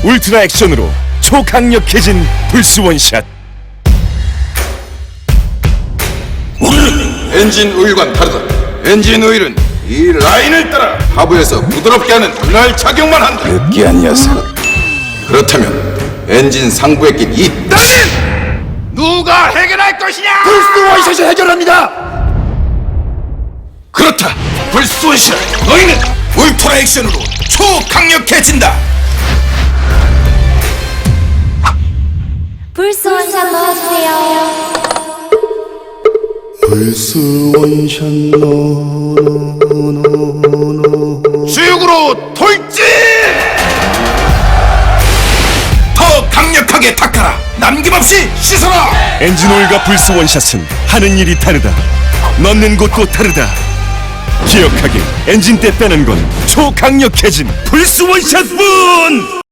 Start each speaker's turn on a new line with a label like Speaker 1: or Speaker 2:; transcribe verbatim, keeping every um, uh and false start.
Speaker 1: 울트라 액션으로 초강력해진 불스 원샷.
Speaker 2: 우리는 엔진 오일과는 다르다. 엔진 오일은 이 라인을 따라 하부에서 부드럽게 하는 그날 작용만 한다. 느끼한 녀석. 그렇다면 엔진 상부에 낀 이 따윈 누가 해결할 것이냐? 불스 원샷이 해결합니다. 그렇다. 불스 원샷. 너희는 울트라 액션으로 초강력해진다.
Speaker 3: 불스 원샷 넣어주세요.
Speaker 4: 불스 원샷 노노노노
Speaker 2: 수육으로 돌진! 더 강력하게 닦아라. 남김없이 씻어라.
Speaker 1: 엔진오일과 불스 원샷은 하는 일이 다르다. 넣는 곳도 다르다. 기억하길, 엔진 때 빼는 건 초강력해진 불스 원샷뿐!